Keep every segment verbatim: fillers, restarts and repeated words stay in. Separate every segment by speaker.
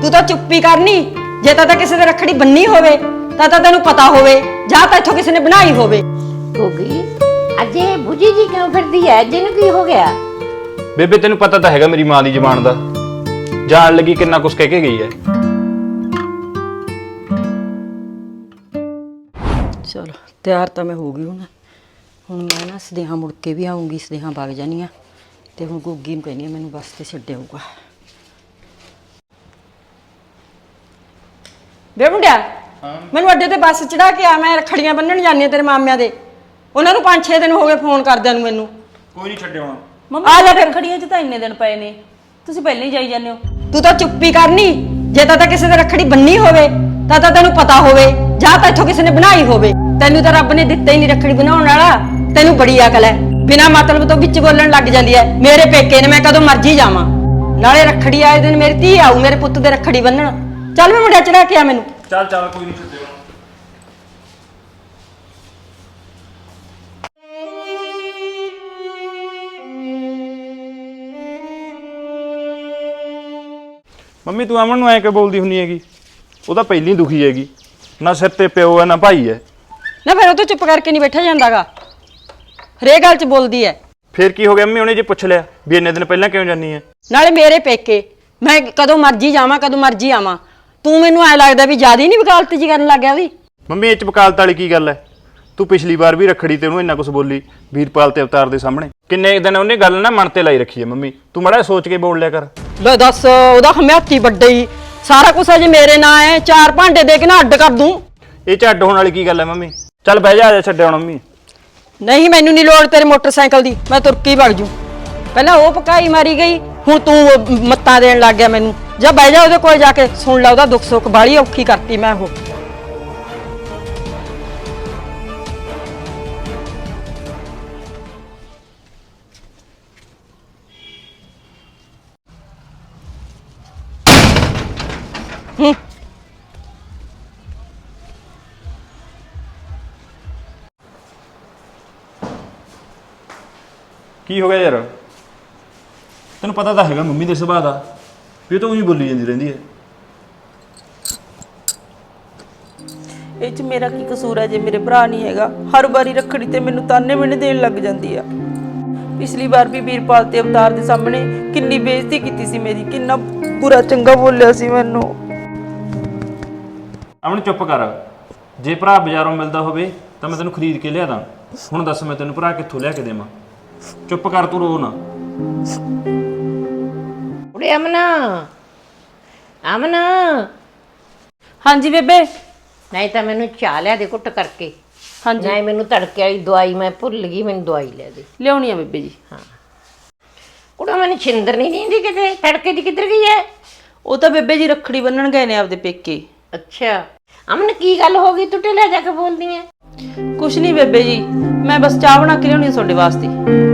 Speaker 1: ਤੂੰ ਤਾਂ ਚੁੱਪੀ ਕਰਨੀ। ਜੇ ਤਾਂ ਤਾਂ ਕਿਸੇ ਦੇ ਰੱਖੜੀ ਬੰਨੀ ਹੋਵੇ ਤਾਂ ਤਾਂ ਤੈਨੂੰ ਪਤਾ ਹੋਵੇ, ਜਾਂ ਤਾਂ ਇੱਥੋਂ ਕਿਸੇ ਨੇ ਬਣਾਈ ਹੋਵੇ।
Speaker 2: ਗੋਗੀ ਅਜੇ ਬੁਝੀ ਜੀ ਕਿਉਂ ਫਿਰਦੀ ਐ? ਜਿਹਨੂੰ ਕੀ ਹੋ ਗਿਆ?
Speaker 3: ਬੇਬੇ ਤੈਨੂੰ ਪਤਾ ਤਾਂ ਹੈਗਾ ਮੇਰੀ ਮਾਂ ਦੀ ਜ਼ਬਾਨ ਦਾ, ਜਾਣ ਲੱਗੀ ਕਿੰਨਾ ਕੁਛ ਕਹਿ ਕੇ ਗਈ ਹੈ।
Speaker 1: ਚਲੋ ਤਿਆਰ ਤਾਂ ਮੈਂ ਹੋ ਗਈ ਹੁਣ ਹੁਣ ਮੈਂ ਨਾ ਸਦੇਹਾ ਮੁੜ ਕੇ ਵੀ ਆਉਂਗੀ, ਸਦੇਹਾ ਵਗ ਜਾਣੀ ਆ ਤੇ ਹੁਣ ਗੋਗੀ ਨੂੰ ਕਹਿੰਦੀ ਆ ਮੈਨੂੰ ਬੱਸ ਤੇ ਛੱਡ ਆਊਗਾ। ਵੇ ਮੁੰਡਿਆ, ਮੈਨੂੰ ਅੱਡੇ ਤੇ ਬੱਸ ਚੜਾ ਕੇ ਆ, ਮੈਂ ਰੱਖੜੀਆਂ ਬੰਨਣ ਜਾਂਦੀ ਆ ਤੇਰੇ ਮਾਮਿਆਂ ਦੇ। ਉਹਨਾਂ ਨੂੰ ਪੰਜ ਛੇ ਦਿਨ ਹੋ ਗਏ ਫੋਨ ਕਰਦਿਆਂ ਨੂੰ ਮੈਨੂੰ।
Speaker 3: ਕੋਈ ਨਹੀਂ ਛੱਡਿਆ ਹੁਣ।
Speaker 4: ਮੰਮੀ ਆ ਜਾ ਫਿਰ, ਰੱਖੜੀਆਂ 'ਚ ਤਾਂ ਇੰਨੇ ਦਿਨ ਪਏ ਨੇ, ਤੁਸੀਂ ਪਹਿਲਾਂ ਹੀ ਜਾਈ ਜਾਂਦੇ ਹੋ।
Speaker 1: ਤੂੰ ਤਾਂ ਚੁੱਪੀ ਕਰਨੀ। ਜੇ ਤਾਂ ਤਾਂ ਕਿਸੇ ਦੇ ਰੱਖੜੀ ਬੰਨੀ ਹੋਵੇ ਤਾਂ ਤਾਂ ਤੈਨੂੰ ਪਤਾ ਹੋਵੇ, ਜਾਂ ਤਾਂ ਇੱਥੋਂ ਕਿਸੇ ਨੇ ਬਣਾਈ ਹੋਵੇ। ਤੈਨੂੰ ਤਾਂ ਰੱਬ ਨੇ ਦਿੱਤਾ ਹੀ ਨਹੀਂ ਰੱਖੜੀ ਬਣਾਉਣ ਵਾਲਾ। ਤੈਨੂੰ ਬੜੀ ਅਕਲ ਹੈ, ਬਿਨਾਂ ਮਤਲਬ ਤੋਂ ਵਿੱਚ ਬੋਲਣ ਲੱਗ ਜਾਂਦੀ ਹੈ। ਮੇਰੇ ਪੇਕੇ ਨੇ, ਮੈਂ ਕਦੋਂ ਮਰਜੀ ਜਾਵਾਂ। ਨਾਲੇ ਰੱਖੜੀ ਆਏ ਦਿਨ ਮੇਰੀ ਧੀ ਆਊ ਮੇਰੇ ਪੁੱਤ ਦੇ ਰੱਖੜੀ ਬੰਨਣ। ਚੱਲ ਮੈਂ ਮੁੰਡਿਆ ਚੜਾ ਕੇ ਆ ਮੈਨੂੰ।
Speaker 3: ਚੱਲ ਚੱਲ ਕੋਈ ਨਹੀਂ ਛੱਡਿਆ। ਮੰਮੀ ਤੂੰ ਅਮਨ ਨੂੰ ਐ ਕਿ ਬੋਲਦੀ ਹੁੰਨੀ ਹੈਗੀ? ਉਹ ਤਾਂ ਪਹਿਲੀ ਦੁਖੀ ਹੈਗੀ, ਨਾ ਸਿਰ ਤੇ ਪਿਓ ਹੈ ਨਾ ਭਾਈ ਹੈ।
Speaker 1: ਨਾ ਫਿਰ ਉਹ ਤੋਂ ਚੁੱਪ ਕਰਕੇ ਨਹੀਂ ਬੈਠਾ ਜਾਂਦਾਗਾ, ਹਰੇਕ ਗੱਲ 'ਚ ਬੋਲਦੀ ਐ।
Speaker 3: ਫੇਰ ਕੀ ਹੋ ਗਿਆ ਮੰਮੀ? ਉਹਨੇ ਜੇ ਪੁੱਛ ਲਿਆ ਵੀ ਇੰਨੇ ਦਿਨ ਪਹਿਲਾਂ ਕਿਉਂ ਜਾਨੀ ਹੈ?
Speaker 1: ਨਾਲੇ ਮੇਰੇ ਪੇਕੇ, ਮੈਂ ਕਦੋਂ ਮਰਜੀ ਜਾਵਾਂ ਕਦੋਂ ਮਰਜੀ ਆਵਾਂ। ਤੂੰ ਮੈਨੂੰ ਐ ਲੱਗਦਾ ਵੀ ਜ਼ਿਆਦਾ ਹੀ ਨਹੀਂ ਵਕਾਲਤ ਜੀ ਕਰਨ ਲੱਗ ਗਿਆ ਵੀ।
Speaker 3: ਮੰਮੀ ਇਹ ਚ ਵਕਾਲਤ ਵਾਲੀ ਕੀ ਗੱਲ ਹੈ? ਤੂੰ ਪਿਛਲੀ ਵਾਰ ਵੀ ਰੱਖੜੀ ਤੇ ਉਹਨੂੰ ਇੰਨਾ ਕੁਝ ਬੋਲੀ ਵੀਰਪਾਲ ਤੇ ਅਵਤਾਰ ਦੇ ਸਾਹਮਣੇ। ਕਿੰਨੇ ਦਿਨ ਉਹਨੇ ਗੱਲ ਨਾ ਮਨ ਤੇ ਲਾਈ ਰੱਖੀ ਹੈ ਮੰਮੀ, ਤੂੰ ਮਾੜਾ ਸੋਚ ਕੇ ਬੋਲ ਲਿਆ ਕਰ।
Speaker 1: ਲੈ ਦੱਸ, ਉਹਦਾ ਹਮਿਆਤੀ ਵੱਡੇ ਹੀ ਸਾਰਾ ਕੁਝ ਅਜੇ ਮੇਰੇ ਨਾਂ ਹੈ। ਚਾਰ ਭਾਂਡੇ ਦੇ ਕੇ ਨਾ ਅੱਡ ਕਰ ਦੂੰ।
Speaker 3: ਇਹ ਚ ਅੱਡ ਹੋਣ ਵਾਲੀ ਕੀ ਗੱਲ ਹੈ ਮੰਮੀ? ਚੱਲ ਬਹਿ ਜਾ, ਆ ਜਾ ਛੱਡਿਆ ਹੁਣ ਮੰਮੀ।
Speaker 1: ਨਹੀਂ ਮੈਨੂੰ ਨਹੀਂ ਲੋੜ ਤੇਰੇ ਮੋਟਰਸਾਈਕਲ ਦੀ, ਮੈਂ ਤੁਰਕੀ ਵਗ ਜੂ। ਪਹਿਲਾਂ ਉਹ ਪਕਾਈ ਮਾਰੀ ਗਈ, ਹੁਣ ਤੂੰ ਮੱਤਾਂ ਦੇਣ ਲੱਗ ਗਿਆ ਮੈਨੂੰ। ਜਾ ਬਹਿ ਜਾ ਉਹਦੇ ਕੋਲ ਜਾ ਕੇ ਸੁਣ ਲੈ ਉਹਦਾ ਦੁੱਖ ਸੁੱਖ। ਬਾਹਲੀ ਔਖੀ ਕਰਤੀ ਮੈਂ ਉਹ। ਹੂੰ
Speaker 3: ਕੀ ਹੋ ਗਿਆ ਯਾਰ? ਤੈਨੂੰ ਪਤਾ ਤਾਂ ਹੈਗਾ ਮੰਮੀ ਦੇ ਸੁਭਾਅ ਦਾ, ਵੀ ਉਹ ਤਾਂ ਉਹੀ ਬੋਲੀ ਜਾਂਦੀ ਰਹਿੰਦੀ ਹੈ।
Speaker 4: ਇਹ 'ਚ ਮੇਰਾ ਕੀ ਕਸੂਰ ਹੈ ਜੇ ਮੇਰੇ ਭਰਾ ਨਹੀਂ ਹੈਗਾ? ਹਰ ਵਾਰੀ ਰੱਖੜੀ ਤੇ ਮੈਨੂੰ ਤਾਨੇ ਮਿਹਣੇ ਦੇਣ ਲੱਗ ਜਾਂਦੀ ਆ। ਪਿਛਲੀ ਵਾਰ ਵੀ ਵੀਰਪਾਲ ਤੇ ਅਵਤਾਰ ਦੇ ਸਾਹਮਣੇ ਕਿੰਨੀ ਬੇਇੱਜ਼ਤੀ ਕੀਤੀ ਸੀ ਮੇਰੀ, ਕਿੰਨਾ ਬੁਰਾ ਚੰਗਾ ਬੋਲਿਆ ਸੀ ਮੈਨੂੰ।
Speaker 3: ਅਮਨ ਚੁੱਪ ਕਰ। ਜੇ ਭਰਾ ਬਾਜ਼ਾਰੋਂ ਮਿਲਦਾ ਹੋਵੇ ਤਾਂ ਮੈਂ ਤੈਨੂੰ ਖਰੀਦ ਕੇ ਲਿਆ ਦਾਂ। ਹੁਣ ਦੱਸ ਮੈਂ ਤੈਨੂੰ ਭਰਾ ਕਿੱਥੋਂ ਲਿਆ ਕੇ ਦੇਵਾਂ? ਚੁੱਪ ਕਰ, ਤੂੰ ਰੋ ਨਾ।
Speaker 2: ਉਰੇ ਅਮਨਾ, ਅਮਨਾ।
Speaker 4: ਹਾਂਜੀ ਬੇਬੇ।
Speaker 2: ਨਹੀਂ ਤਾਂ ਮੈਨੂੰ ਚਾਹ ਲਿਆ ਦੇ ਘੁੱਟ ਕਰਕੇ।
Speaker 4: ਹਾਂਜੀ
Speaker 2: ਨਹੀਂ ਮੈਨੂੰ ਤੜਕੇ ਵਾਲੀ ਦਵਾਈ ਮੈਂ ਭੁੱਲ ਗਈ, ਮੈਨੂੰ ਦਵਾਈ ਲੈ ਦੇ।
Speaker 4: ਲਿਆਉਣੀ ਆ ਬੇਬੇ ਜੀ।
Speaker 2: ਹਾਂ ਕੁੜਾ ਮੈਨੂੰ ਛਿੰਦਰ ਨਹੀਂ ਦਿੰਦੀ ਕਿਤੇ, ਤੜਕੇ ਦੀ ਕਿੱਧਰ ਗਈ ਹੈ?
Speaker 4: ਉਹ ਤਾਂ ਬੇਬੇ ਜੀ ਰੱਖੜੀ ਬੰਨਣ ਗਏ ਨੇ ਆਪਦੇ ਪੇਕੇ।
Speaker 2: ਅੱਛਾ ਅਮਨ ਕੀ ਗੱਲ ਹੋ ਗਈ? ਤੂੰ ਢਿੱਲਾ ਜਾ ਕੇ ਬੋਲਦੀ ਐ।
Speaker 4: ਕੁਛ ਨਹੀਂ ਬੇਬੇ ਜੀ, ਮੈਂ ਬਸ ਚਾਹ ਬਣਾ ਕੇ ਲਿਆਉਣੀ ਆ ਤੁਹਾਡੇ ਵਾਸਤੇ।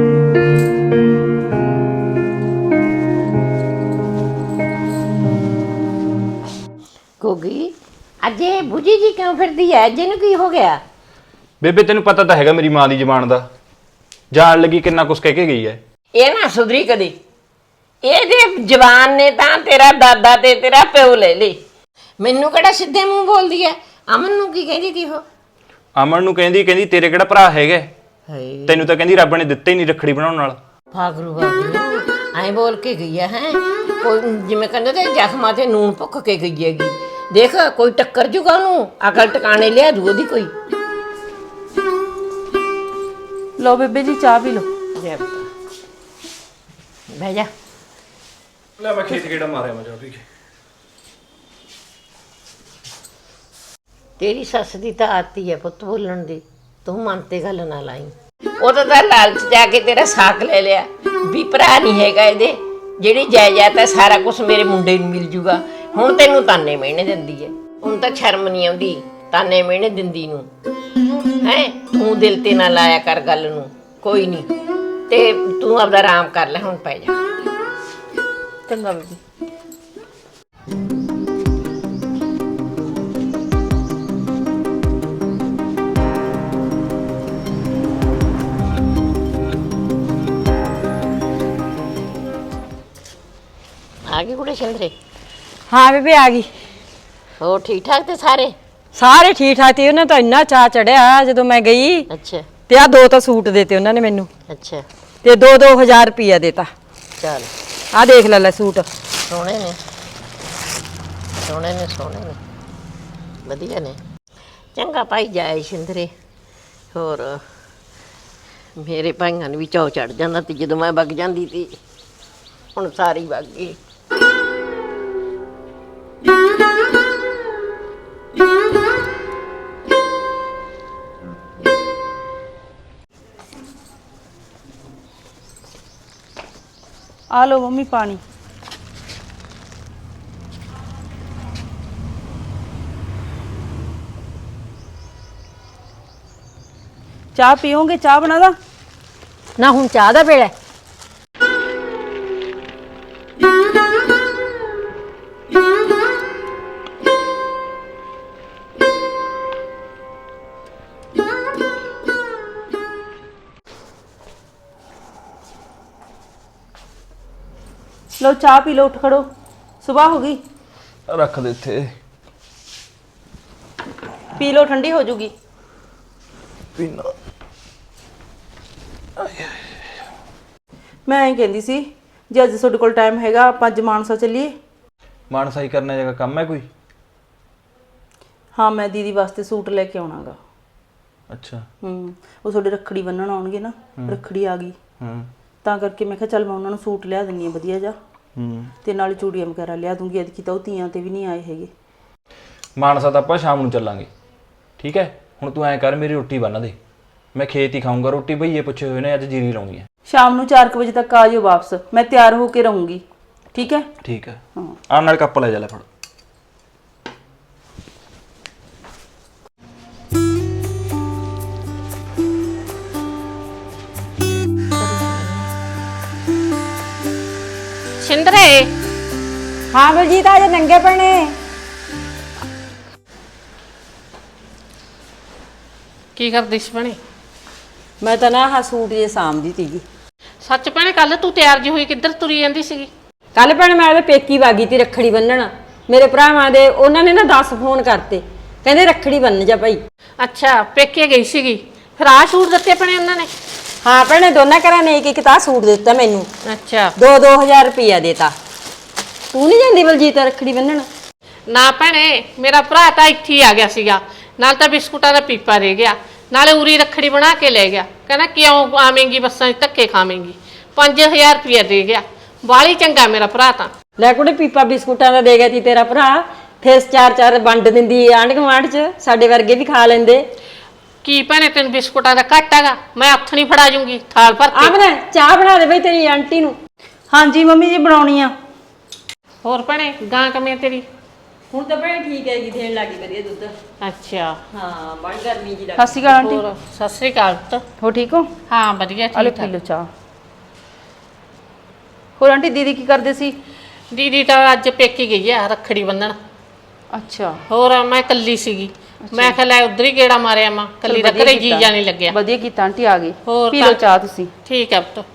Speaker 2: ਗੋਗੀ ਅਜੇ ਬੁਝੀ ਜੀ ਕਿਉਂ ਫਿਰਦੀ ਐ? ਜਿਹਨੂੰ ਕੀ ਹੋ ਗਿਆ?
Speaker 3: ਬੇਬੇ ਤੈਨੂੰ ਪਤਾ ਤਾਂ ਹੈਗਾ ਮੇਰੀ ਮਾਂ ਦੀ ਜ਼ਬਾਨ ਦਾ, ਜਾਣ ਲੱਗੀ ਕਿੰਨਾ ਕੁਛ ਕਹਿ ਕੇ ਗਈ ਹੈ।
Speaker 2: ਇਹ ਨਾ ਸੁਧਰੀ ਕਦੇ। ਇਹਦੇ ਜਵਾਨ ਨੇ ਤਾਂ ਤੇਰਾ ਦਾਦਾ ਤੇ ਤੇਰਾ ਪਿਓ ਲੈ ਲਈ। ਮੈਨੂੰ ਕਿਹੜਾ ਸਿੱਧੇ ਮੂੰਹ ਬੋਲਦੀ ਐ? ਅਮਨ ਨੂੰ ਕੀ ਕਹਿੰਦੀ ਤੀ ਉਹ?
Speaker 3: ਅਮਨ ਨੂੰ ਕਹਿੰਦੀ ਕਹਿੰਦੀ ਤੇਰੇ ਕਿਹੜਾ ਭਰਾ ਹੈਗਾ?
Speaker 2: ਹਾਏ
Speaker 3: ਤੈਨੂੰ ਤਾਂ ਕਹਿੰਦੀ ਰੱਬ ਨੇ ਦਿੱਤਾ ਹੀ ਨਹੀਂ ਰੱਖੜੀ ਬਣਾਉਣ ਨਾਲ।
Speaker 2: ਭਾਗਰੂ ਭਾਗਰੂ ਐਂ ਬੋਲ ਕੇ ਗਈ ਆ ਹੈ। ਕੋਈ ਜਿਵੇਂ ਕਹਿੰਦੇ ਤੇ ਜ਼ਖਮਾਂ ਤੇ ਨੂਨ ਭੁੱਕ ਕੇ ਗਈ ਹੈਗੀ। ਦੇਖ ਕੋਈ ਟੱਕਰ ਜੂਗਾ ਉਹਨੂੰ, ਅਕਲ ਟਿਕਾਣੇ ਲਿਆ ਦੂ ਉਹਦੀ ਕੋਈ।
Speaker 4: ਲਓ ਬੇਬੇ ਜੀ ਚਾਹ ਪੀ ਲਓ।
Speaker 2: ਜੈ ਬਤਾ ਬਹਿ ਜਾ।
Speaker 3: ਲੈ ਮੈਂ ਖੇਤ ਕਿਹੜਾ ਮਾਰਿਆ ਮੈਂ ਜਾ ਪੀ ਕੇ।
Speaker 2: ਤੇਰੀ ਸੱਸ ਦੀ ਤਾਂ ਆਤੀ ਹੈ ਪੁੱਤ ਬੋਲਣ ਦੀ, ਤੂੰ ਮਨ ਤੇ ਗੱਲ ਨਾ ਲਾਈ। ਉਹ ਤਾਂ ਤਾਂ ਲਾਲਚ ਜਾ ਕੇ ਤੇਰਾ ਸਾਕ ਲੈ ਲਿਆ ਵੀ ਭਰਾ ਨਹੀਂ ਹੈਗਾ ਇਹਦੇ, ਜਿਹੜੀ ਜਾਇਦਾਦ ਹੈ ਸਾਰਾ ਕੁਝ ਮੇਰੇ ਮੁੰਡੇ ਨੂੰ ਮਿਲ ਜੂਗਾ। ਹੁਣ ਤੈਨੂੰ ਤਾਨੇ ਮਿਹਣੇ ਦਿੰਦੀ ਹੈ, ਹੁਣ ਤਾਂ ਸ਼ਰਮ ਨਹੀਂ ਆਉਂਦੀ ਤਾਨੇ ਮਿਹਣੇ ਦਿੰਦੀ ਨੂੰ ਹੈ। ਤੂੰ ਦਿਲ ਤੇ ਨਾ ਲਾਇਆ ਕਰ ਗੱਲ ਨੂੰ, ਕੋਈ ਨਹੀਂ। ਤੇ ਤੂੰ ਆਪਦਾ ਆਰਾਮ ਕਰ ਲੈ, ਹੁਣ ਪੈ ਜਾ।
Speaker 4: ਚੰਗਾ ਬੇਬੇ।
Speaker 2: ਆ ਗਏ ਕੁੜੇ ਸਿੰਦਰੇ?
Speaker 1: ਹਾਂ ਬੇਬੇ ਆ ਗਈ।
Speaker 2: ਹੋਰ ਠੀਕ ਠਾਕ ਤੇ ਸਾਰੇ?
Speaker 1: ਸਾਰੇ ਠੀਕ ਠਾਕ ਤੇ ਉਹਨਾਂ ਤਾਂ ਇੰਨਾ ਚਾਅ ਚੜਿਆ ਜਦੋਂ ਮੈਂ ਗਈ
Speaker 2: ਅੱਛਾ
Speaker 1: ਤੇ ਆ ਦੋ ਤਾਂ ਸੂਟ ਦੇਤੇ ਉਹਨਾਂ ਨੇ ਮੈਨੂੰ
Speaker 2: ਅੱਛਾ
Speaker 1: ਤੇ ਦੋ ਦੋ ਹਜ਼ਾਰ ਰੁਪਇਆ ਦੇਤਾ।
Speaker 2: ਚੱਲ
Speaker 1: ਆ ਦੇਖ ਲੈ ਲੈ ਸੂਟ।
Speaker 2: ਸੋਹਣੇ ਨੇ ਸੋਹਣੇ ਨੇ ਸੋਹਣੇ ਨੇ ਵਧੀਆ ਨੇ। ਚੰਗਾ ਭਾਈ ਜਾਏ ਸ਼ਿੰਦਰੇ। ਹੋਰ ਮੇਰੇ ਭਾਈਆਂ ਨੂੰ ਵੀ ਚਾਅ ਚੜ ਜਾਂਦਾ ਤੇ ਜਦੋਂ ਮੈਂ ਵਗ ਜਾਂਦੀ ਤੀ ਹੁਣ ਸਾਰੀ ਵਗ ਗਈ।
Speaker 4: ਆ ਲਓ ਮੰਮੀ ਪਾਣੀ। ਚਾਹ ਪੀਓਗੇ? ਚਾਹ ਬਣਾ ਦਾ?
Speaker 1: ਨਾ ਹੁਣ ਚਾਹ ਦਾ ਵੇਲਾ ਹੈ।
Speaker 4: ਲਓ ਚਾਹ ਪੀ ਲਓ, ਉੱਠ ਖੜੋ, ਸਵੇਰ ਹੋ ਗਈ।
Speaker 3: ਰੱਖ ਦੇ ਇੱਥੇ।
Speaker 4: ਪੀ ਲਓ, ਠੰਡੀ ਹੋ ਜੂਗੀ।
Speaker 3: ਪੀਣਾ
Speaker 4: ਮੈਂ ਐਂ ਕਹਿੰਦੀ ਸੀ ਜੇ ਅੱਜ ਤੁਹਾਡੇ ਕੋਲ ਟਾਈਮ ਹੈਗਾ ਆਪਾਂ ਅੱਜ ਮਾਨਸਾ ਚੱਲੀਏ।
Speaker 3: ਮਾਨਸਾਈ ਕਰਨੇ ਜਗਾ ਕੰਮ ਹੈ ਕੋਈ?
Speaker 4: ਹਾਂ ਮੈਂ ਦੀਦੀ ਵਾਸਤੇ ਸੂਟ ਲੈ ਕੇ ਆਉਣਾਗਾ।
Speaker 3: ਅੱਛਾ।
Speaker 4: ਹੂੰ ਉਹ ਤੁਹਾਡੇ ਰੱਖੜੀ ਬੰਨਣ ਆਉਣਗੇ ਨਾ, ਰੱਖੜੀ ਆ ਗਈ
Speaker 3: ਹੂੰ
Speaker 4: ਤਾਂ ਕਰਕੇ ਮੈਂ ਕਿਹਾ ਚੱਲ ਮੈਂ ਉਹਨਾਂ ਨੂੰ ਸੂਟ ਲਿਆ ਦਿੰਨੀ ਆ ਵਧੀਆ ਜਾ
Speaker 3: ਹੂੰ
Speaker 4: ਤੇ ਨਾਲ ਚੂੜੀਆਂ ਵਗੈਰਾ ਲਿਆ ਦੂੰਗੀ। ਐਤਕੀ ਤਾਂ ਉਹ ਤੀਆਂ ਤੇ ਵੀ ਨਹੀਂ ਆਏ ਹੈਗੇ।
Speaker 3: ਮਾਨਸਾ ਤਾਂ ਆਪਾਂ ਸ਼ਾਮ ਨੂੰ ਚੱਲਾਂਗੇ, ਠੀਕ ਹੈ? ਹੁਣ ਤੂੰ ਐਂ ਕਰ, ਮੇਰੀ ਰੋਟੀ ਬੰਨ ਦੇ, ਮੈਂ ਖੇਤ ਹੀ ਖਾਊਂਗਾ ਰੋਟੀ। ਭਈਏ ਪੁੱਛੇ ਹੋਏ ਨੇ ਅੱਜ ਜੀਰੀ ਲਾਉਣੀ ਹੈ।
Speaker 4: ਸ਼ਾਮ ਨੂੰ ਚਾਰ ਵਜੇ ਤੱਕ ਆ ਜਾਓ ਵਾਪਸ, ਮੈਂ ਤਿਆਰ ਹੋ ਕੇ ਰਹੂੰਗੀ, ਠੀਕ ਹੈ?
Speaker 3: ਠੀਕ ਹੈ।
Speaker 4: ਹਾਂ
Speaker 3: ਆਹ ਨਾਲ ਕੱਪ ਲੈ ਜਾ ਲੈ ਫੜ।
Speaker 2: ਸ਼ਿੰਦਰੇ
Speaker 1: ਹਾਂ ਬਲਜੀਤ ਆ ਜੇ ਨੰਗੇ ਪੈਣੇ।
Speaker 5: ਕੀ ਕਰਦੀ ਸੀ ਭੈਣੇ?
Speaker 1: ਮੈਂ ਤਾਂ ਨਾ ਆਹ ਸੂਟ ਜੇ ਸਾਂਭਦੀ ਸੀਗੀ।
Speaker 5: ਸੱਚ ਭੈਣੇ ਕੱਲ ਤੂੰ ਤਿਆਰ ਜੀ ਹੋਈ ਕਿੱਧਰ ਤੁਰੀ ਜਾਂਦੀ ਸੀਗੀ?
Speaker 1: ਕੱਲ ਭੈਣ ਮੈਂ ਉਹਦੇ ਪੇਕੀ ਵਾਗੀ ਤੀ ਰੱਖੜੀ ਬੰਨਣ। ਮੇਰੇ ਭਰਾਵਾਂ ਦੇ ਉਹਨਾਂ ਨੇ ਨਾ ਦਸ ਫੋਨ ਕਰਤੇ, ਕਹਿੰਦੇ ਰੱਖੜੀ ਬੰਨ ਜਾ ਭਾਈ।
Speaker 5: ਅੱਛਾ ਪੇਕੇ ਗਈ ਸੀਗੀ, ਫਿਰ ਆਹ ਸੂਟ ਦਿੱਤੇ ਭੈਣੇ ਉਹਨਾਂ ਨੇ?
Speaker 1: ਹਾਂ ਭੈਣੇ ਦੋਨਾਂ ਘਰਾਂ ਨੇ ਇੱਕ ਇੱਕ ਤਾਂ ਸੂਟ ਦਿੱਤਾ ਮੈਨੂੰ,
Speaker 5: ਅੱਛਾ
Speaker 1: ਦੋ ਦੋ ਹਜ਼ਾਰ ਰੁਪਇਆ ਦੇਤਾ। ਤੂੰ ਨਹੀਂ ਜਾਂਦੀ ਬਲਜੀਤ ਰੱਖੜੀ ਬੰਨਣ?
Speaker 5: ਨਾ ਭੈਣੇ ਮੇਰਾ ਭਰਾ ਤਾਂ ਇੱਥੇ ਹੀ ਆ ਗਿਆ ਸੀਗਾ, ਨਾਲ ਤਾਂ ਬਿਸਕੁਟਾਂ ਦਾ ਪੀਪਾ ਰਹਿ ਗਿਆ, ਨਾਲੇ ਉਰੀ ਰੱਖੜੀ ਬਣਾ ਕੇ ਲੈ ਗਿਆ। ਕਹਿੰਦਾ ਕਿਉਂ ਆਵੇਂਗੀ ਬੱਸਾਂ 'ਚ ਧੱਕੇ ਖਾਵੇਂਗੀ। ਪੰਜ ਹਜ਼ਾਰ ਰੁਪਇਆ ਦੇ ਗਿਆ। ਬਾਲੀ ਚੰਗਾ ਮੇਰਾ ਭਰਾ ਤਾਂ।
Speaker 1: ਲੈ ਕੁੜੇ ਪੀਪਾ ਬਿਸਕੁਟਾਂ ਦਾ ਦੇ ਗਿਆ ਤੀ ਤੇਰਾ ਭਰਾ, ਫਿਰ ਚਾਰ ਚਾਰ ਵੰਡ ਦਿੰਦੀ ਆਂਢ ਗੁਆਂਢ 'ਚ, ਸਾਡੇ ਵਰਗੇ ਵੀ ਖਾ ਲੈਂਦੇ।
Speaker 5: ਕੀ ਭੈਣੇ ਤੈਨੂੰ ਬਿਸਕੁਟਾਂ ਦਾ ਘੱਟ ਹੈਗਾ? ਮੈਂ ਹੱਥ ਨਹੀਂ ਫੜਾ ਜੂੰਗੀ ਥਾਲ ਭਰ ਕੇ।
Speaker 1: ਆਮਨਾ ਚਾਹ ਬਣਾ ਦੇ ਬਈ ਤੇਰੀ ਆਂਟੀ ਨੂੰ।
Speaker 4: ਹਾਂਜੀ ਮੰਮੀ ਜੀ ਬਣਾਉਣੀ ਆ।
Speaker 5: ਹੋਰ ਭੈਣੇ ਗਾਂ ਕਮੇ ਤੇਰੀ?
Speaker 1: ਹੁਣ ਤਾਂ ਭੈਣ ਠੀਕ ਹੈਗੀ, ਦੇਣ ਲੱਗੀ ਵਧੀਆ ਦੁੱਧ।
Speaker 5: ਅੱਛਾ
Speaker 1: ਹਾਂ ਬੜੀ ਗਰਮੀ ਜੀ
Speaker 4: ਸਤਿ ਸ਼੍ਰੀ ਅਕਾਲ ਆਂਟੀ।
Speaker 5: ਹੋਰ ਸਤਿ ਸ੍ਰੀ ਅਕਾਲ ਪੁੱਤ।
Speaker 4: ਹੋ ਠੀਕ ਹੋ?
Speaker 5: ਹਾਂ ਵਧੀਆ
Speaker 4: ਆਲੇ
Speaker 5: ਠੀਕ
Speaker 4: ਪੀ ਲਓ
Speaker 5: ਠਾਕ।
Speaker 4: ਚਾਹ। ਹੋਰ ਆਂਟੀ ਦੀਦੀ ਕੀ ਕਰਦੇ ਸੀ?
Speaker 5: ਦੀਦੀ ਤਾਂ ਅੱਜ ਪੇਕੀ ਗਈ ਆ ਰੱਖੜੀ ਬੰਨਣ।
Speaker 4: ਅੱਛਾ
Speaker 5: ਹੋਰ ਮੈਂ ਇਕੱਲੀ ਸੀਗੀ, ਮੈਂ ਕਿਹਾ ਲੈ ਉਧਰ ਹੀ ਗੇੜਾ ਮਾਰਿਆ ਮਾਂ, ਇਕੱਲੀ ਦਾ ਘਰੇ ਜੀ ਜਾਣੀ ਲੱਗਿਆ।
Speaker 4: ਵਧੀਆ ਕੀਤਾ ਆਂਟੀ ਆ ਗਈ।
Speaker 5: ਹੋਰ
Speaker 4: ਪੀ ਲਓ ਚਾਹ ਤੁਸੀਂ।
Speaker 5: ਠੀਕ ਹੈ ਪੁੱਤ।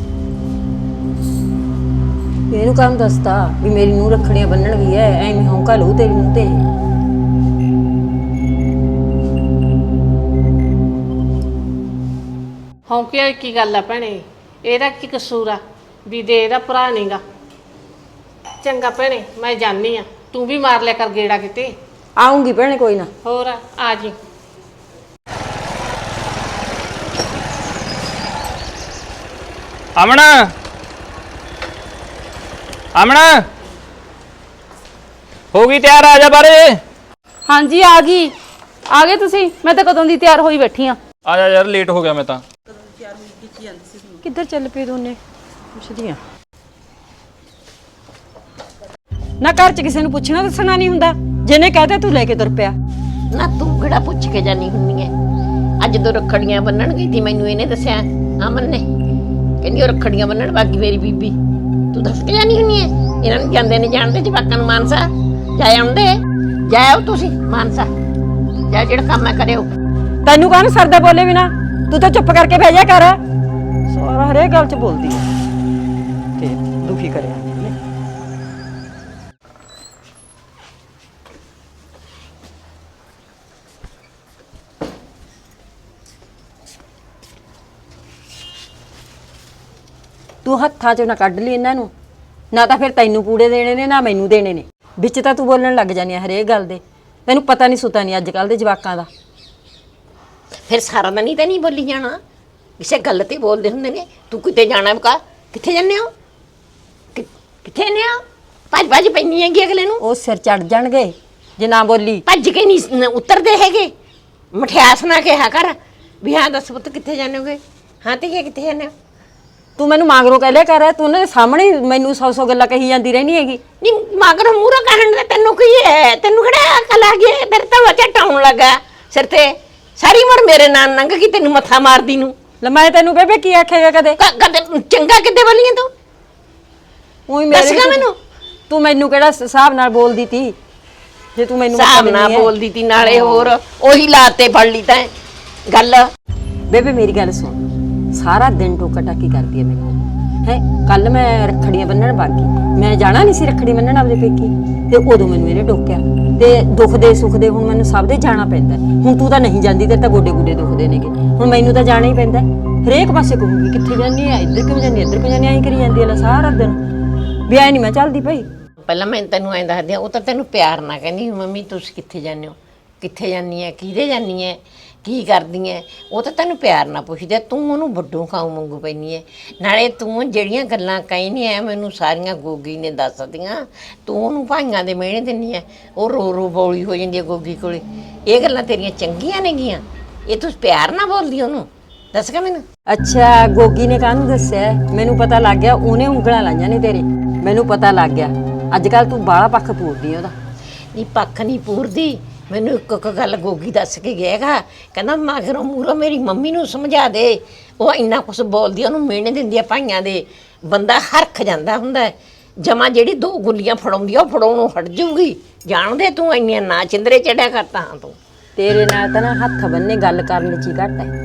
Speaker 1: ਇਹਨੂੰ ਕੰਮ ਦੱਸਤਾ ਵੀ ਮੇਰੀ ਨੂੰ ਰੱਖੜੀਆਂ ਬੰਨਣ ਗਈ ਐ, ਐਵੇਂ ਹੌਂਕਾ ਲਊ ਤੇਰੀ ਨੂੰ ਤੇ।
Speaker 5: ਹੌਂਕਿਆ ਕੀ ਗੱਲ ਆ ਭੈਣੇ, ਇਹਦਾ ਕੀ ਕਸੂਰ ਆ ਵੀ ਦੇ ਇਹਦਾ ਭਰਾ ਨਹੀਂਗਾ। ਚੰਗਾ ਭੈਣੇ ਮੈਂ ਜਾਣੀ ਆ, ਤੂੰ ਵੀ ਮਾਰ ਲਿਆ ਕਰ ਗੇੜਾ ਕਿਤੇ।
Speaker 1: ਆਉਂਗੀ ਭੈਣੇ ਕੋਈ ਨਾ।
Speaker 5: ਹੋਰ ਆ ਜੀ।
Speaker 3: ਅਮਨ ਅਮਨ ਹੋ ਗਈ ਤਿਆਰ, ਆ ਜਾ ਬਾਰੇ।
Speaker 4: ਹਾਂਜੀ ਆ ਗਈ। ਆ ਗਏ ਤੁਸੀਂ? ਮੈਂ ਤਾਂ ਕਦੋਂ ਦੀ ਤਿਆਰ ਹੋਈ ਬੈਠੀ ਆ।
Speaker 3: ਆ ਜਾ ਯਾਰ, ਲੇਟ ਹੋ ਗਿਆ ਮੈਂ ਤਾਂ।
Speaker 1: ਕਿੱਧਰ ਚੱਲ ਪਏ ਦੋਨੇ? ਪੁੱਛਦੀ ਆ ਨਾ, ਘਰ 'ਚ ਕਿਸੇ ਨੂੰ ਪੁੱਛਣਾ ਦੱਸਣਾ ਨਹੀਂ ਹੁੰਦਾ। ਜਿਹਨੇ ਕਹਤਾ ਤੂੰ ਲੈ ਕੇ ਤੁਰ ਪਿਆ।
Speaker 2: ਨਾ ਤੂੰ ਕਿਹੜਾ ਪੁੱਛ ਕੇ ਜਾਨੀ ਹੁੰਨੀ ਐ? ਅੱਜ ਜਦੋਂ ਰੱਖੜੀਆਂ ਬੰਨਣ ਗਈ ਸੀ ਮੈਨੂੰ ਇਹਨੇ ਦੱਸਿਆ, ਅਮਨ ਨੇ, ਕਹਿੰਦੀ ਉਹ ਰੱਖੜੀਆਂ ਬੰਨਣ ਬਾਕੀ ਮੇਰੀ ਬੀਬੀ। ਤੂੰ ਦੱਸ ਕੇ ਜਾਨੀ ਹੁੰਨੀ ਐ? ਇਹਨਾਂ ਨੂੰ ਜਾਂਦੇ ਨੇ ਜਾਣਦੇ ਜਵਾਕਾਂ ਨੂੰ ਮਾਨਸਾ ਜਾਏ ਆਉਂਦੇ ਜਾਓ ਤੁਸੀਂ ਮਾਨਸਾ ਜਾ, ਜਿਹੜਾ ਕੰਮ ਹੈ ਕਰਿਓ।
Speaker 1: ਤੈਨੂੰ ਕਾਹਨੂੰ ਸਰਦਾ ਬੋਲੇ ਬਿਨਾ? ਤੂੰ ਤਾਂ ਚੁੱਪ ਕਰਕੇ ਬਹਿ ਜਾ ਕਰ। ਸਾਰਾ ਹਰੇਕ ਗੱਲ 'ਚ ਬੋਲਦੀ ਐ ਤੇ ਦੁਖੀ ਕਰਿਆ। ਤੂੰ ਹੱਥਾਂ 'ਚੋਂ ਨਾ ਕੱਢ ਲਈ ਇਹਨਾਂ ਨੂੰ, ਨਾ ਤਾਂ ਫਿਰ ਤੈਨੂੰ ਪੂੜੇ ਦੇਣੇ ਨੇ ਨਾ ਮੈਨੂੰ ਦੇਣੇ ਨੇ। ਵਿੱਚ ਤਾਂ ਤੂੰ ਬੋਲਣ ਲੱਗ ਜਾਨੀ ਆ ਹਰੇਕ ਗੱਲ ਦੇ, ਤੈਨੂੰ ਪਤਾ ਨਹੀਂ ਸੁਤਾ ਨਹੀਂ ਅੱਜ ਕੱਲ ਦੇ ਜਵਾਕਾਂ ਦਾ।
Speaker 2: ਫਿਰ ਸਾਰਾ ਦਿਨ ਹੀ ਤਾਂ ਨਹੀਂ ਬੋਲੀ ਜਾਣਾ, ਕਿਸੇ ਗੱਲ ਤੇ ਬੋਲਦੇ ਹੁੰਦੇ ਨੇ। ਤੂੰ ਕਿਤੇ ਜਾਣਾ ਕਾ, ਕਿੱਥੇ ਜਾਂਦੇ ਹੋ, ਕਿ- ਕਿੱਥੇ ਨੇ ਹੋ? ਭੱਜ ਭੱਜ ਪੈਣੀ ਹੈਗੀ ਅਗਲੇ ਨੂੰ।
Speaker 1: ਉਹ ਸਿਰ ਚੜ ਜਾਣਗੇ ਜੇ ਨਾ ਬੋਲੀ।
Speaker 2: ਭੱਜ ਕੇ ਨਹੀਂ ਉਤਰਦੇ ਹੈਗੇ। ਮਠਿਆਸ ਨਾ ਕਿਹਾ ਕਰ ਵੀ ਹਾਂ ਦੱਸ ਪੁੱਤ ਕਿੱਥੇ ਜਾਂਦੇ ਹੋਗੇ, ਹਾਂ ਤੇ ਕੀ ਕਿੱਥੇ ਜਾਂਦੇ ਹੋ।
Speaker 1: ਤੂੰ ਮੈਨੂੰ ਮਾਂਗਰੋਂ ਕਹਿ ਲਿਆ ਕਰ, ਤੂੰ ਉਹਨਾਂ ਦੇ ਸਾਹਮਣੇ ਹੀ ਮੈਨੂੰ ਸੌ ਸੌ ਗੱਲਾਂ ਕਹੀ ਜਾਂਦੀ ਰਹਿਣੀ ਹੈਗੀ।
Speaker 2: ਨਹੀਂ ਮਗਰ ਮੂਹਰੋਂ ਕਹਿਣ ਦਾ ਤੈਨੂੰ ਕੀ ਹੈ, ਤੈਨੂੰ ਕਿਹੜਾ ਅਕਲ ਆ ਗਈ? ਤੇਰੇ ਤਾਂ ਬੱਚਾ ਟਾਉਣ ਲੱਗਾ ਸਿਰ ਤੇ, ਸਾਰੀ ਉਮਰ ਮੇਰੇ ਨਾਲ ਲੰਘ ਗਈ ਤੈਨੂੰ ਮੱਥਾ ਮਾਰਦੀ ਨੂੰ।
Speaker 1: ਲੈ ਮੈਂ ਤੈਨੂੰ ਬੇਬੇ ਕੀ ਆਖੇਗਾ ਕਦੇ?
Speaker 2: ਕ- ਕਦੇ ਚੰਗਾ ਕਿੱਦੇ ਬੋਲੀਆਂ ਤੂੰ?
Speaker 1: ਉਹੀ
Speaker 2: ਦੱਸ ਗਾ ਮੈਨੂੰ।
Speaker 1: ਤੂੰ ਮੈਨੂੰ ਕਿਹੜਾ ਹਿਸਾਬ ਨਾਲ ਬੋਲਦੀ ਤੀ, ਜੇ ਤੂੰ ਮੈਨੂੰ
Speaker 2: ਹਿਸਾਬ ਨਾਲ ਬੋਲਦੀ ਤੀ, ਨਾਲੇ ਹੋਰ ਉਹੀ ਲਾਤੇ ਫੜ ਲਈ ਤਾਂ ਗੱਲ।
Speaker 1: ਬੇਬੇ ਮੇਰੀ ਗੱਲ ਸੁਣ, ਸਾਰਾ ਦਿਨ ਟੋਕਾ ਟਾਕੀ ਕਰਦੀ ਹੈ ਮੈਨੂੰ ਹੈ। ਕੱਲ ਮੈਂ ਰੱਖੜੀਆਂ ਬੰਨਣ ਬਾਗੀ, ਮੈਂ ਜਾਣਾ ਨਹੀਂ ਸੀ ਰੱਖੜੀ ਬੰਨਣ ਆਪਦੇ ਪੇਕੀ, ਤੇ ਉਦੋਂ ਮੈਨੂੰ ਇਹਨੇ ਟੋਕਿਆ। ਤੇ ਦੁੱਖ ਦੇ ਸੁੱਖ ਦੇ ਹੁਣ ਮੈਨੂੰ ਸਭ ਦੇ ਜਾਣਾ ਪੈਂਦਾ। ਹੁਣ ਤੂੰ ਤਾਂ ਨਹੀਂ ਜਾਂਦੀ, ਤੇ ਤਾਂ ਗੋਡੇ ਗੋਡੇ ਦੁਖਦੇ ਨੇਗੇ, ਹੁਣ ਮੈਨੂੰ ਤਾਂ ਜਾਣਾ ਹੀ ਪੈਂਦਾ। ਹਰੇਕ ਪਾਸੇ ਕਹੂੰਗੀ ਕਿੱਥੇ ਜਾਂਦੀ ਆ, ਇੱਧਰ ਕਿਉਂ ਜਾਂਦੀ, ਇੱਧਰ ਕਿਉਂ ਜਾਂਦੀ, ਐਂ ਕਰੀ ਜਾਂਦੀ ਹੈ ਸਾਰਾ ਦਿਨ। ਵੀ ਐ ਨਹੀਂ ਮੈਂ ਚੱਲਦੀ ਭਾਈ।
Speaker 2: ਪਹਿਲਾਂ ਮੈਂ ਤੈਨੂੰ ਐਂ ਦੱਸਦੀ ਆ, ਉਹ ਤਾਂ ਤੈਨੂੰ ਪਿਆਰ ਨਾਲ ਕਹਿੰਦੀ ਮੰਮੀ ਤੁਸੀਂ ਕਿੱਥੇ ਜਾਂਦੇ ਹੋ, ਕਿੱਥੇ ਜਾਂਦੀ ਹੈ, ਕਿਹਦੇ ਜਾਂਦੀ ਹੈ, ਕੀ ਕਰਦੀ ਹੈ। ਉਹ ਤਾਂ ਤੈਨੂੰ ਪਿਆਰ ਨਾਲ ਪੁੱਛਦੀ ਆ, ਤੂੰ ਉਹਨੂੰ ਵੱਡੋਂ ਖਾਉ ਮੰਗੂ ਪੈਣੀ ਹੈ। ਨਾਲੇ ਤੂੰ ਜਿਹੜੀਆਂ ਗੱਲਾਂ ਕਹਿੰਦੀ ਐ ਮੈਨੂੰ ਸਾਰੀਆਂ ਗੋਗੀ ਨੇ ਦੱਸਦੀਆਂ, ਤੂੰ ਉਹਨੂੰ ਭਾਈਆਂ ਦੇ ਮਿਹਣੇ ਦਿੰਦੀ ਐ, ਉਹ ਰੋ ਰੋ ਬੋਲੀ ਹੋ ਜਾਂਦੀ ਹੈ ਗੋਗੀ ਕੋਲੇ। ਇਹ ਗੱਲਾਂ ਤੇਰੀਆਂ ਚੰਗੀਆਂ ਨੇਗੀਆਂ, ਇਹ ਤੂੰ ਪਿਆਰ ਨਾਲ ਬੋਲਦੀ ਉਹਨੂੰ, ਦੱਸ ਗਾ ਮੈਨੂੰ।
Speaker 1: ਅੱਛਾ ਗੋਗੀ ਨੇ ਕਾਹਨੂੰ ਦੱਸਿਆ? ਮੈਨੂੰ ਪਤਾ ਲੱਗ ਗਿਆ, ਉਹਨੇ ਉਂਗਲਾਂ ਲਾਈਆਂ ਨੇ ਤੇਰੇ, ਮੈਨੂੰ ਪਤਾ ਲੱਗ ਗਿਆ। ਅੱਜ ਕੱਲ ਤੂੰ ਬਾਹਲਾ ਪੱਖ ਪੂਰਦੀ ਉਹਦਾ।
Speaker 2: ਨਹੀਂ ਪੱਖ ਨਹੀਂ ਪੂਰਦੀ, ਮੈਨੂੰ ਇੱਕ ਇੱਕ ਗੱਲ ਗੋਗੀ ਦੱਸ ਕੇ ਗਿਆਗਾ। ਕਹਿੰਦਾ ਮਗਰੋਂ ਮੂਹਰੋਂ ਮੇਰੀ ਮੰਮੀ ਨੂੰ ਸਮਝਾ ਦੇ, ਉਹ ਇੰਨਾ ਕੁਛ ਬੋਲਦੀ, ਉਹਨੂੰ ਮਿਹਣੇ ਦਿੰਦੀ ਆ ਭਾਈਆਂ ਦੇ। ਬੰਦਾ ਹਰਖ ਜਾਂਦਾ ਹੁੰਦਾ ਜਮਾ, ਜਿਹੜੀ ਦੋ ਗੁੱਲੀਆਂ ਫੜਾਉਂਦੀ ਆ ਉਹ ਫੜਾਉਣੋਂ ਹਟ ਜਾਊਗੀ। ਜਾਣਦੇ ਤੂੰ ਇੰਨੀਆਂ ਨਾ ਚਿੰਦਰੇ ਚੜਿਆ ਕਰਤਾ ਹਾਂ ਤੂੰ।
Speaker 1: ਤੇਰੇ ਨਾਲ ਤਾਂ ਨਾ ਹੱਥ ਬੰਨੇ ਗੱਲ ਕਰਨ ਚ ਹੀ ਘੱਟ ਹੈ।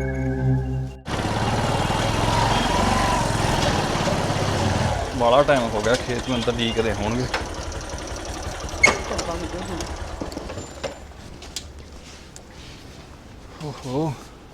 Speaker 6: ਬਾਲਾ ਟਾਈਮ ਹੋ ਗਿਆ ਖੇਤ ਨੂੰ, ਅੰਦਰ ਡੀਕਦੇ ਹੋਣਗੇ। ਓਹੋ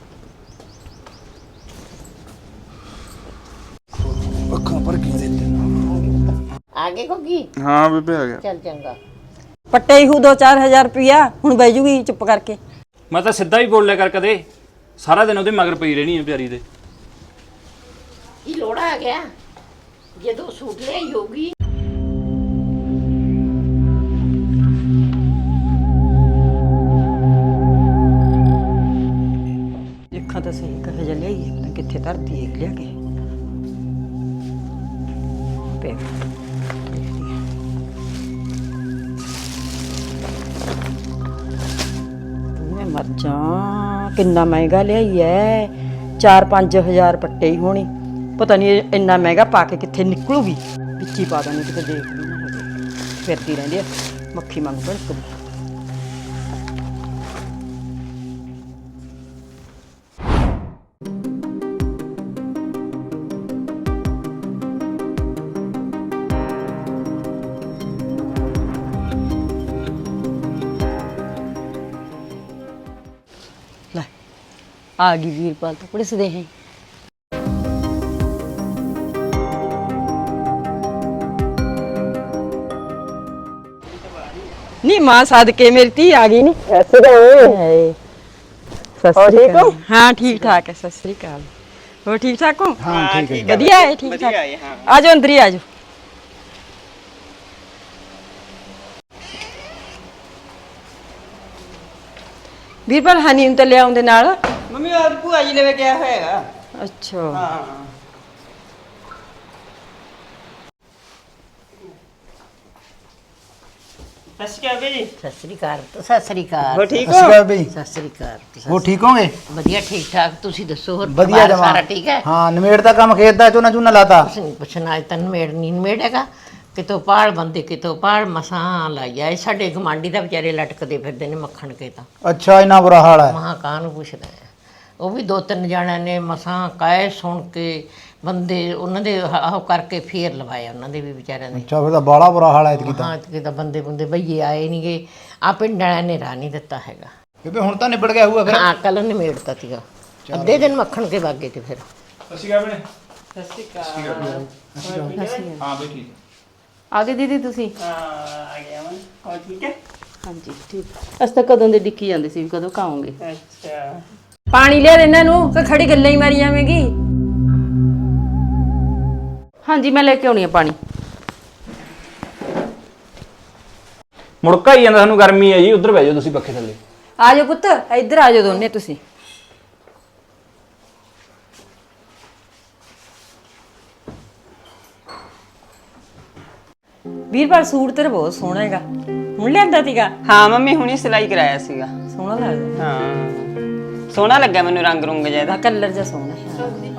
Speaker 6: ਅੱਖਾਂ ਪਰ ਕੀ ਦੇ
Speaker 2: ਆ ਗਏ ਗੋਗੀ?
Speaker 6: ਹਾਂ ਬੇਬੇ ਆ ਗਿਆ।
Speaker 2: ਚੱਲ ਚੰਗਾ।
Speaker 1: ਪੱਟੇ ਹੀ ਹੂ ਦੋ ਚਾਰ ਹਜ਼ਾਰ ਰੁਪਇਆ, ਹੁਣ ਬਹਿ ਜੂਗੀ ਚੁੱਪ ਕਰਕੇ।
Speaker 3: ਮੈਂ ਤਾਂ ਸਿੱਧਾ ਹੀ ਬੋਲ ਲਿਆ ਕਰ ਕਦੇ, ਸਾਰਾ ਦਿਨ ਉਹਦੇ ਮਗਰ ਪਈ ਰਹਿਣੀ ਹੈ ਪਿਆਰੀ ਦੇ।
Speaker 2: ਇਹ ਲੋੜਾ ਆ ਗਿਆ ਜਦੋਂ ਸੂਟ ਲਿਆਈ ਹੋਗੀ।
Speaker 1: ਲਿਖਾਂ ਤਾਂ ਸਹੀ ਕਹੇ ਜਾ ਲਈ, ਪਤਾ ਕਿੱਥੇ ਧਰਤੀ ਹੈ ਲਿਆ ਕੇ ਪੇ ਮੈਂ ਮਰ ਜਾ। ਕਿੰਨਾ ਮਹਿੰਗਾ ਲਿਆਈ ਐ, ਚਾਰ ਪੰਜ ਹਜ਼ਾਰ ਪੱਟੇ ਹੀ ਹੋਣੀ। ਪਤਾ ਨਹੀਂ ਇੰਨਾ ਮਹਿੰਗਾ ਪਾ ਕੇ ਕਿੱਥੇ ਨਿਕਲੂਗੀ, ਵਿੱਚ ਹੀ ਪਾ ਦਾਂਗੇ ਕਿਤੇ ਦੇਖ ਵੀ ਨਾ ਹੋਵੇ। ਫਿਰਦੀ ਰਹਿੰਦੀ ਆ ਮੱਖੀ ਮੰਗ ਭੜਕਦੀ। ਲੈ ਆ ਗਈ ਵੀਰਪਾਲ ਤਾਂ ਪੁਲਿਸਦੇ ਹੈ। ਨੀ ਮਾਂ ਸਦਕੇ ਮੇਰੀ ਧੀ ਆ ਗਈ ਨੀ। ਸਤਿ ਸ੍ਰੀ ਅਕਾਲ। ਹਾਂ ਠੀਕ ਠਾਕ ਹੈ। ਸਤਿ ਸ੍ਰੀ ਅਕਾਲ। ਹੋਰ ਠੀਕ ਠਾਕ ਹੋ? ਹਾਂ ਠੀਕ ਹੈ। ਵਧੀਆ ਹੈ, ਠੀਕ ਠਾਕ। ਆ ਜਾਓ ਅੰਦਰ ਹੀ ਆ ਜਾਓ। ਵੀਰਪਾਲ ਹਨੀ ਨੂੰ ਤਾਂ ਲਿਆਉਂਦੇ ਨਾਲ।
Speaker 7: ਮੰਮੀ ਆਪ ਭੂਆ ਜੀ ਲਵੇ ਗਿਆ ਹੋਏਗਾ।
Speaker 1: ਅੱਛਾ
Speaker 7: ਹਾਂ ਸਤਿ ਸ਼੍ਰੀ ਅਕਾਲ ਜੀ।
Speaker 2: ਸਤਿ ਸ੍ਰੀ ਅਕਾਲ। ਸਤਿ ਸ੍ਰੀ ਅਕਾਲ।
Speaker 7: ਹੋ ਠੀਕ
Speaker 8: ਸਤਿ ਸ਼੍ਰੀ ਅਕਾਲ ਬਈ।
Speaker 2: ਸਤਿ ਸ੍ਰੀ ਅਕਾਲ।
Speaker 8: ਹੋ ਠੀਕ ਹੋਗੇ?
Speaker 2: ਵਧੀਆ ਠੀਕ ਠਾਕ। ਤੁਸੀਂ ਦੱਸੋ ਹੋਰ
Speaker 8: ਵਧੀਆ
Speaker 2: ਪਰਿਵਾਰ
Speaker 8: ਜਮਾ।
Speaker 2: ਸਾਰਾ ਠੀਕ ਹੈ?
Speaker 8: ਹਾਂ ਨਵੇੜ ਦਾ ਕੰਮ ਖੇਤ ਦਾ, ਝੋਨਾ ਝੋਨਾ ਲਾਤਾ।
Speaker 2: ਕੁਛ ਨਹੀਂ ਪੁੱਛਣਾ, ਅੱਜ ਤੈਨੂੰ ਮੇੜ ਨਹੀਂ ਮੇੜੇਗਾ। ਕਿਤੋਂ ਪਾਲ ਬੰਦੇ ਕਿਤੋਂ ਪਾਲ ਮਸਾਂ ਲਾਇਆ। ਇਹ ਸਾਡੇ ਗਮਾਂਡੀ ਦਾ ਵਿਚਾਰੇ ਲਟਕਦੇ ਫਿਰਦੇ ਨੇ ਮੱਖਣ ਕੇ ਤਾਂ।
Speaker 8: ਅੱਛਾ ਇੰਨਾ ਬੁਰਾ ਹਾਲ ਹੈ।
Speaker 2: ਮਹਾਂ ਕਾਂ ਨੂੰ ਪੁੱਛਦਾ ਹੈ। ਉਹ ਵੀ ਦੋ ਤਿੰਨ ਜਣਿਆਂ ਨੇ ਮਸਾਂ ਕਾਇ ਸੁਣ ਕੇ ਬੰਦੇ ਉਹਨਾਂ ਦੇ ਆਹ ਕਰਕੇ ਫੇਰ ਲਵਾਇਆ ਉਹਨਾਂ ਦੇ ਵੀ ਵਿਚਾਰਿਆਂ ਦੇ।
Speaker 8: ਅੱਛਾ ਫਿਰ ਤਾਂ ਬਾਲਾ ਬੁਰਾ ਹਾਲ ਹੈ ਇਤਕੀ ਤਾਂ।
Speaker 2: ਹਾਂ ਕਿ ਤਾਂ ਬੰਦੇ ਬੰਦੇ ਬਈਏ ਆਏ ਨਹੀਂਗੇ। ਆ ਪਿੰਡ ਵਾਲਿਆਂ ਨੇ ਰਾਹ ਨਹੀਂ ਦਿੱਤਾ ਹੈਗਾ।
Speaker 8: ਬੇਬੇ ਹੁਣ ਤਾਂ ਨਿਬੜ ਗਿਆ ਹੋਊਗਾ ਫਿਰ।
Speaker 2: ਹਾਂ ਕੱਲ ਨਿਮੇੜਤਾ ਸੀਗਾ। ਅੱਧੇ ਦਿਨ ਮੱਖਣ ਕੇ ਵਾਗੇ ਤੇ ਫਿਰ।
Speaker 3: ਸਤਿ ਸ਼੍ਰੀ ਅਕਾਲ ਭੈਣੇ।
Speaker 7: ਸਤਿ ਸ਼੍ਰੀ ਅਕਾਲ।
Speaker 6: ਹਾਂ ਬਈ ਠੀਕ
Speaker 4: ਆ ਗਏ ਦੀਦੀ ਤੁਸੀਂ?
Speaker 7: ਹਾਂ ਆ ਗਿਆ ਮੈਂ ਹੋਰ ਠੀਕ ਹੈ
Speaker 4: ਹਾਂਜੀ ਠੀਕ। ਅਸੀਂ ਤਾਂ ਕਦੋਂ ਦੇ ਡਿੱਕੀ ਜਾਂਦੇ ਸੀ ਵੀ ਕਦੋਂ ਕਾਉਂਗੇ।
Speaker 7: ਅੱਛਾ
Speaker 1: ਪਾਣੀ ਲਿਆ ਦੇ ਇਹਨਾਂ ਨੂੰ ਕਿ ਖੜੀ ਗੱਲਾਂ ਹੀ ਮਾਰੀ ਜਾਵੇਂਗੀ।
Speaker 4: ਹਾਂਜੀ ਮੈਂ ਲੈ ਕੇ ਆਉਣੀ ਆ ਪਾਣੀ।
Speaker 3: ਮੁੜਕਾ ਹੀ ਜਾਂਦਾ, ਸਾਨੂੰ ਗਰਮੀ ਹੈ ਜੀ। ਉੱਧਰ ਬਹਿ ਜਾਓ ਤੁਸੀਂ ਪੱਖੇ ਥੱਲੇ।
Speaker 1: ਆ ਜਾਓ ਪੁੱਤ, ਇੱਧਰ ਆ ਜਾਓ ਦੋਨੇ ਤੁਸੀਂ। ਵੀਰਪਾਲ ਸੂਟ ਤੇਰਾ ਬਹੁਤ ਸੋਹਣਾ ਹੈਗਾ, ਹੁਣ ਲਿਆਂਦਾ ਸੀਗਾ?
Speaker 7: ਹਾਂ ਮੰਮੀ ਹੁਣੀ ਸਿਲਾਈ ਕਰਾਇਆ ਸੀਗਾ।
Speaker 1: ਸੋਹਣਾ ਲੱਗਦਾ।
Speaker 7: ਹਾਂ ਸੋਹਣਾ ਲੱਗਾ ਮੈਨੂੰ, ਰੰਗ ਰੁੰਗ ਜਿਹਾ ਇਹਦਾ।
Speaker 1: ਆ ਕਲਰ ਜਿਹਾ ਸੋਹਣਾ ਹੈ।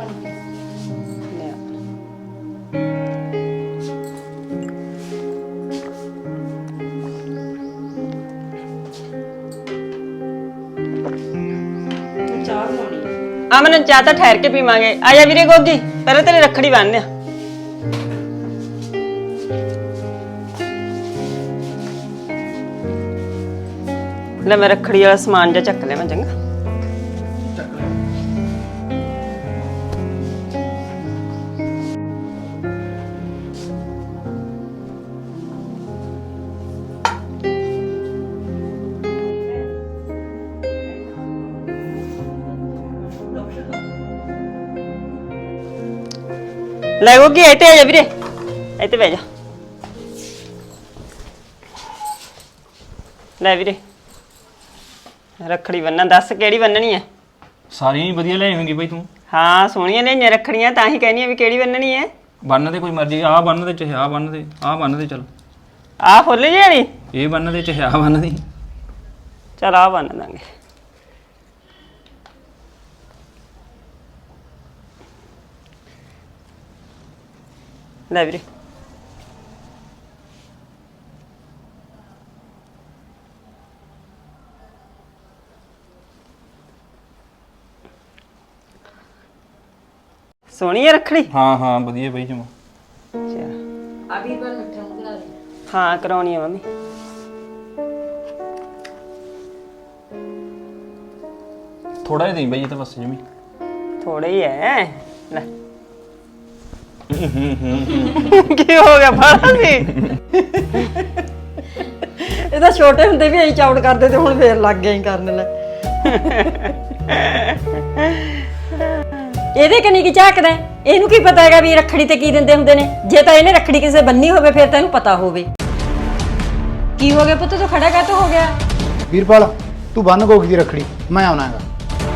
Speaker 7: ਅਮਨ ਚਾਹ ਤਾਂ ਠਹਿਰ ਕੇ ਪੀਵਾਂਗੇ। ਆ ਜਾ ਵੀਰੇ ਗੋਗੀ, ਪਹਿਲਾਂ ਤੇਰੇ ਰੱਖੜੀ ਬੰਨ੍ਹਦੇ ਆ। ਲੈ ਮੈਂ ਰੱਖੜੀ ਵਾਲਾ ਸਮਾਨ ਜਿਹਾ ਚੱਕ ਲਿਆ ਮੈਂ, ਚੰਗਾ। ਲੈ ਗੋਗੀ ਇੱਥੇ ਆ ਜਾ ਵੀਰੇ, ਇੱਥੇ ਬਹਿ ਜਾ। ਲੈ ਵੀਰੇ ਰੱਖੜੀ ਬੰਨਣ, ਦੱਸ ਕਿਹੜੀ ਬੰਨਣੀ ਹੈ?
Speaker 3: ਸਾਰੀਆਂ ਹੀ ਵਧੀਆ ਲੈ ਆਵੇਂਗੀ ਬਈ ਤੂੰ।
Speaker 7: ਹਾਂ ਸੋਹਣੀਆਂ ਲਈਆਂ ਰੱਖੜੀਆਂ, ਤਾਂ ਹੀ ਕਹਿੰਦੀ ਆ ਵੀ ਕਿਹੜੀ ਬੰਨਣੀ ਹੈ।
Speaker 3: ਬੰਨ ਦੇ ਕੋਈ ਮਰਜ਼ੀ, ਆਹ ਬੰਨ ਦੇ ਚਾਹੇ ਆਹ ਬੰਨ ਦੇ, ਆਹ ਬੰਨ ਦੇ ਚੱਲ।
Speaker 7: ਆਹ ਫੁੱਲ ਜਿਹੀ ਵਾਲੀ?
Speaker 3: ਇਹ ਬੰਨ ਦੇ ਚਾਹੇ ਆਹ ਬੰਨ ਦੇ।
Speaker 7: ਚਲ ਆਹ ਬੰਨ ਦਾਂਗੇ। ਲੈ ਵੀਰੇ ਸੋਹਣੀ ਹੈ ਰੱਖੜੀ।
Speaker 3: ਹਾਂ ਹਾਂ ਵਧੀਆ ਬਈ ਜਮਾ।
Speaker 7: ਅੱਛਾ ਆ ਵੀਰਪਾਲ ਮਿੱਠਾ ਮੁਕਲਾ ਦੇ। ਹਾਂ ਕਰਾਉਣੀ ਹੈ ਮੰਮੀ।
Speaker 3: ਥੋੜਾ ਜਿਹਾ ਦੇਈ ਬਈ, ਇਹ ਤਾਂ ਬਸ ਜਮੀ
Speaker 7: ਥੋੜਾ ਹੀ ਹੈ। ਲੈ ਕੀ ਹੋ ਗਿਆ ਬਾਹਰ ਸੀ?
Speaker 1: ਇਹ ਤਾਂ ਛੋਟੇ ਹੁੰਦੇ ਵੀ ਐਂ ਚੌੜ ਕਰਦੇ ਤੇ ਹੁਣ ਫੇਰ ਲੱਗ ਗਏ ਕਰਨ ਲੈ। ਇਹਦੇ ਕਨੀ ਕੀ ਝਾਕਦਾ? ਇਹਨੂੰ ਕੀ ਪਤਾ ਹੈਗਾ ਵੀ ਰੱਖੜੀ ਤੇ ਕੀ ਦਿੰਦੇ ਹੁੰਦੇ ਨੇ? ਜੇ ਤਾਂ ਇਹਨੇ ਰੱਖੜੀ ਕਿਸੇ ਬੰਨੀ ਹੋਵੇ ਫਿਰ ਤਾਂ ਇਹਨੂੰ ਪਤਾ ਹੋਵੇ। ਕੀ ਹੋ ਗਿਆ ਪੁੱਤ, ਤੂੰ ਖੜਾ ਕਾਹਤੋਂ ਹੋ ਗਿਆ?
Speaker 8: ਵੀਰਪਾਲ ਤੂੰ ਬੰਨ ਗੋਗੀ ਦੀ ਰੱਖੜੀ, ਮੈਂ ਆਉਣਾ ਹੈਗਾ।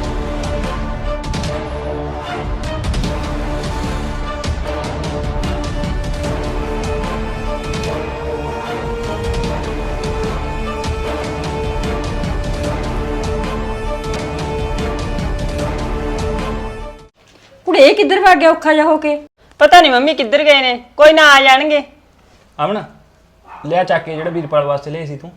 Speaker 1: ਕੁੜੇ ਇਹ ਕਿੱਧਰ ਭੱਗ ਗਿਆ ਔਖਾ ਜਾ ਹੋ ਕੇ?
Speaker 7: ਪਤਾ ਨਹੀਂ ਮੰਮੀ ਕਿੱਧਰ ਗਏ ਨੇ, ਕੋਈ ਨਾ ਆ ਜਾਣਗੇ।
Speaker 3: ਆਵਣਾ ਲਿਆ ਚੱਕ ਕੇ ਜਿਹੜਾ ਵੀਰਪਾਲ ਵਾਸਤੇ ਲਿਆ ਸੀ ਤੂੰ।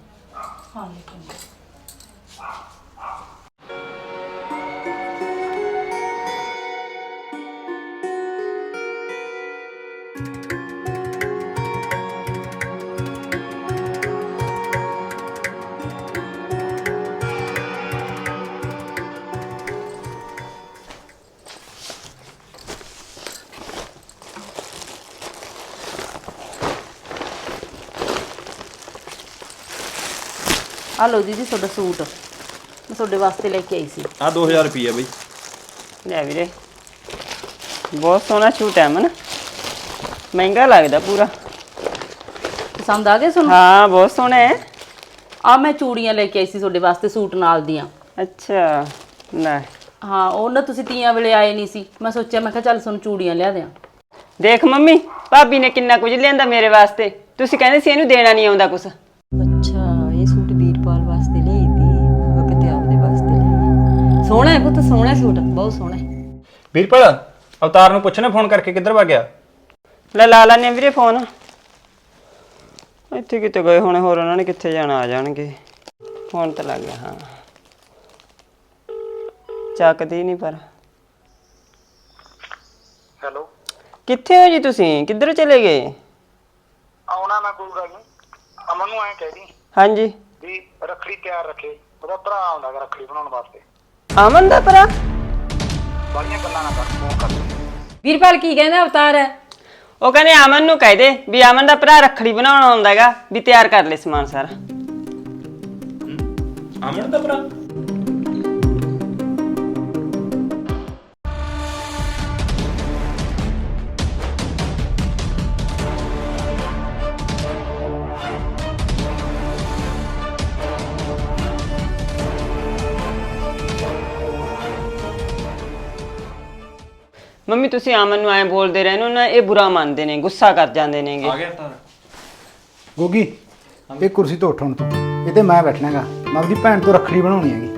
Speaker 4: ਆ ਲਓ ਦੀਦੀ ਤੁਹਾਡਾ ਸੂਟ, ਮੈਂ ਤੁਹਾਡੇ ਵਾਸਤੇ ਲੈ ਕੇ ਆਈ ਸੀ।
Speaker 3: ਆ ਦੋ ਹਜ਼ਾਰ ਰੁਪਈਆ ਬਈ।
Speaker 7: ਲੈ ਵੀਰੇ ਬਹੁਤ ਸੋਹਣਾ ਸੂਟ ਹੈ ਮਨ, ਮਹਿੰਗਾ ਲੱਗਦਾ ਪੂਰਾ।
Speaker 4: ਪਸੰਦ ਆ ਗਿਆ ਤੁਹਾਨੂੰ?
Speaker 7: ਹਾਂ ਬਹੁਤ ਸੋਹਣਾ ਹੈ।
Speaker 4: ਆ ਮੈਂ ਚੂੜੀਆਂ ਲੈ ਕੇ ਆਈ ਸੀ ਤੁਹਾਡੇ ਵਾਸਤੇ ਸੂਟ ਨਾਲ ਦੀਆਂ।
Speaker 7: ਅੱਛਾ ਲੈ
Speaker 4: ਹਾਂ ਉਹ ਨਾ ਤੁਸੀਂ ਤੀਆਂ ਵੇਲੇ ਆਏ ਨਹੀਂ ਸੀ, ਮੈਂ ਸੋਚਿਆ ਮੈਂ ਕਿਹਾ ਚੱਲ ਤੁਹਾਨੂੰ ਚੂੜੀਆਂ ਲਿਆ ਦਿਆਂ।
Speaker 7: ਦੇਖ ਮੰਮੀ ਭਾਬੀ ਨੇ ਕਿੰਨਾ ਕੁਝ ਲਿਆਂਦਾ ਮੇਰੇ ਵਾਸਤੇ, ਤੁਸੀਂ ਕਹਿੰਦੇ ਸੀ ਇਹਨੂੰ ਦੇਣਾ ਨਹੀਂ ਆਉਂਦਾ ਕੁਛ।
Speaker 1: ਅੱਛਾ ਇਹ ਸੂਟ ਵੀਰਪਾਲ ਵਾਸਤੇ ਲਈ ਤੀ, ਉਹ ਕਿਤੇ ਆਪਦੇ ਵਾਸਤੇ ਲਈ। ਸੋਹਣਾ ਹੈ ਪੁੱਤ, ਸੋਹਣਾ ਸੂਟ, ਬਹੁਤ ਸੋਹਣਾ ਹੈ।
Speaker 3: ਵੀਰਪਾਲ ਅਵਤਾਰ ਨੂੰ ਪੁੱਛਣਾ ਫੋਨ ਕਰਕੇ ਕਿੱਧਰ ਭੱਗ ਗਿਆ।
Speaker 7: ਲੈ ਲਾ ਲੈਣੇ ਵੀਰੇ ਫੋਨ, ਇੱਥੇ ਕਿਤੇ ਗਏ ਹੋਣੇ, ਹੋਰ ਉਹਨਾਂ ਨੇ ਕਿੱਥੇ ਜਾਣਾ, ਆ ਜਾਣਗੇ। ਫੋਨ ਤਾਂ ਲੱਗ ਗਿਆ। ਹਾਂ ਚੱਕਦੀ ਨਹੀਂ ਪਰ।
Speaker 9: ਹੈਲੋ
Speaker 7: ਕਿੱਥੇ ਹੋ ਜੀ ਤੁਸੀਂ, ਕਿੱਧਰ ਚਲੇ ਗਏ?
Speaker 9: ਆਉਣਾ ਮੈਂ, ਕੋਈ ਗੱਲ ਨਹੀਂ। ਅਮਨ ਨੂੰ ਐਂ ਕਹਿ ਦੀ
Speaker 7: ਹਾਂਜੀ
Speaker 9: ਵੀ ਰੱਖੜੀ ਤਿਆਰ ਰੱਖੇ, ਉਹਦਾ ਭਰਾ ਆਉਂਦਾ ਗਾ ਰੱਖੜੀ ਬਣਾਉਣ ਵਾਸਤੇ।
Speaker 7: ਅਮਨ ਦਾ ਭਰਾ?
Speaker 9: ਬੜੀਆਂ ਗੱਲਾਂ ਨਾ ਕਰ, ਫੋਨ ਕਰ।
Speaker 1: ਵੀਰਪਾਲ ਕੀ ਕਹਿੰਦਾ ਅਵਤਾਰ?
Speaker 7: ਉਹ ਕਹਿੰਦੇ ਅਮਨ ਨੂੰ ਕਹਿ ਦੇ ਵੀ ਅਮਨ ਦਾ ਭਰਾ ਰੱਖੜੀ ਬਣਾਉਣ ਆਉਂਦਾ ਹੈਗਾ, ਵੀ ਤਿਆਰ ਕਰ ਲੈ ਸਮਾਨ ਸਾਰਾ।
Speaker 3: ਅਮਨ ਦਾ ਭਰਾ?
Speaker 7: ਮੰਮੀ ਤੁਸੀਂ ਅਮਨ ਨੂੰ ਐਂ ਬੋਲਦੇ ਰਹਿੰਦੇ ਹੋ ਨਾ, ਇਹ ਬੁਰਾ ਮੰਨਦੇ ਨੇ, ਗੁੱਸਾ ਕਰ ਜਾਂਦੇ ਨੇਗੇ।
Speaker 6: ਆ ਗਿਆ ਤਾਰ।
Speaker 8: ਗੋਗੀ ਇਹ ਕੁਰਸੀ ਤੋਂ ਉੱਠ ਹੁਣ ਤੂੰ, ਇਹ ਤੇ ਮੈਂ ਬੈਠਣਾਗਾ। ਮੈਂ ਆਪਣੀ ਭੈਣ ਤੋਂ ਰੱਖੜੀ ਬਣਾਉਣੀ ਹੈਗੀ।